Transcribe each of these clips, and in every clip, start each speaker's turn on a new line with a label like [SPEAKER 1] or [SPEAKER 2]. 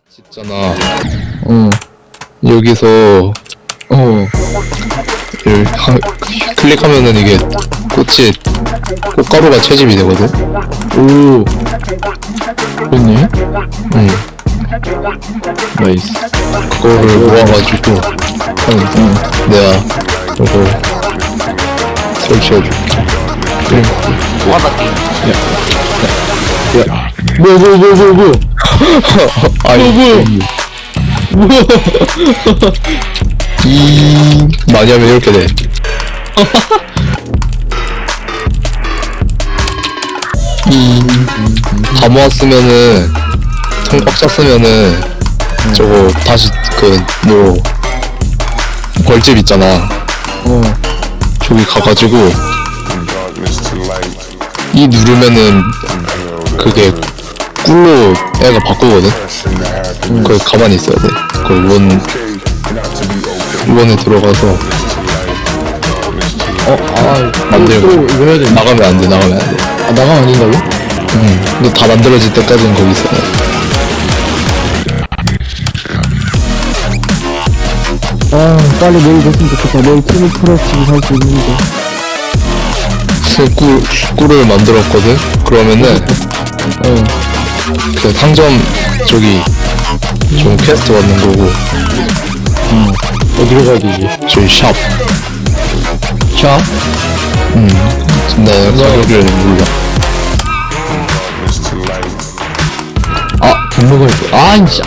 [SPEAKER 1] 있잖아.
[SPEAKER 2] 어,
[SPEAKER 1] 여기서 클릭하면은 이게 꽃가루가 채집이 되거든.
[SPEAKER 2] 오, 그렇네.
[SPEAKER 1] 응.
[SPEAKER 2] 나이스.
[SPEAKER 1] 그거를 모아가지고 내가 이거 설치해줄게.
[SPEAKER 3] 뭐하다 게임.
[SPEAKER 2] 뭐.
[SPEAKER 1] 아니 이 많이 하면 이렇게 돼. 다 모았으면은 통 꽉 찼으면은 저거 다시 뭐 벌집 있잖아. 저기 가가지고 이 누르면은 그게 꿀로 애가 바꾸거든. 거기 가만히 있어야 돼. 거기 원에 들어가서 만들고
[SPEAKER 2] 이거 해야 돼.
[SPEAKER 1] 나가면 안 돼. 나가면 안 돼.
[SPEAKER 2] 아, 나가면 안 된다고?
[SPEAKER 1] 근데 다 만들어질 때까지는 거기 있어야 돼.
[SPEAKER 2] 아, 빨리 내일 됐으면 좋겠다. 내일 팀을 프로스를 할 수 있는데.
[SPEAKER 1] 꿀을 만들었거든. 그러면은 그 상점 저기 좀 퀘스트 받는 거고.
[SPEAKER 2] 어디로 가야 되지?
[SPEAKER 1] 저기 샵.
[SPEAKER 2] 샵?
[SPEAKER 1] 나 가격을 몰라.
[SPEAKER 2] 아, 돈 먹어야 돼. 아, 진짜.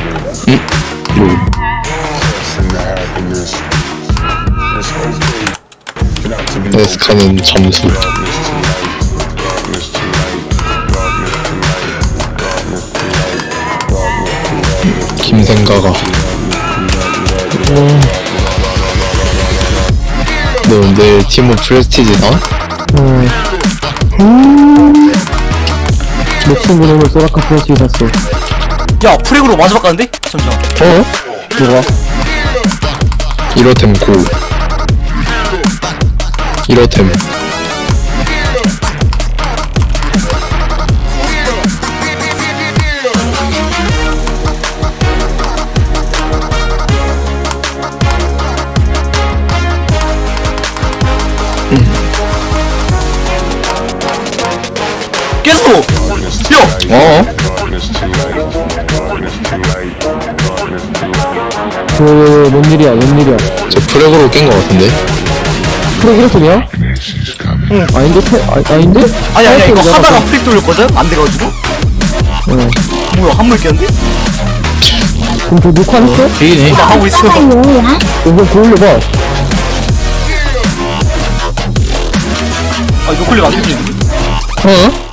[SPEAKER 1] 에스카는 점수. 김생가가. 너 내일 팀업 프레스티지다?
[SPEAKER 2] 내 친구는 소라카 프로스를 샀어.
[SPEAKER 3] 야 프렉으로 마지막 가는데? 잠시만.
[SPEAKER 2] 누가?
[SPEAKER 1] 1호템 고. 1호템.
[SPEAKER 3] 깼어! 야!
[SPEAKER 2] 뭔 일이야?
[SPEAKER 1] 저 프렉으로 깬 거 같은데?
[SPEAKER 2] 프로 1호점이야? 응. 아닌데? 아닌데?
[SPEAKER 3] 아니 이거
[SPEAKER 2] 내가
[SPEAKER 3] 하다가 프렉 돌렸거든? 안 돼가지고? 뭐야 한물 깼는데?
[SPEAKER 2] 그럼 저 녹화했어?
[SPEAKER 1] 되네.
[SPEAKER 3] 나 하고 있어.
[SPEAKER 2] 이거 고올려봐.
[SPEAKER 3] 아 이거 클릭 안 되지?
[SPEAKER 1] 어?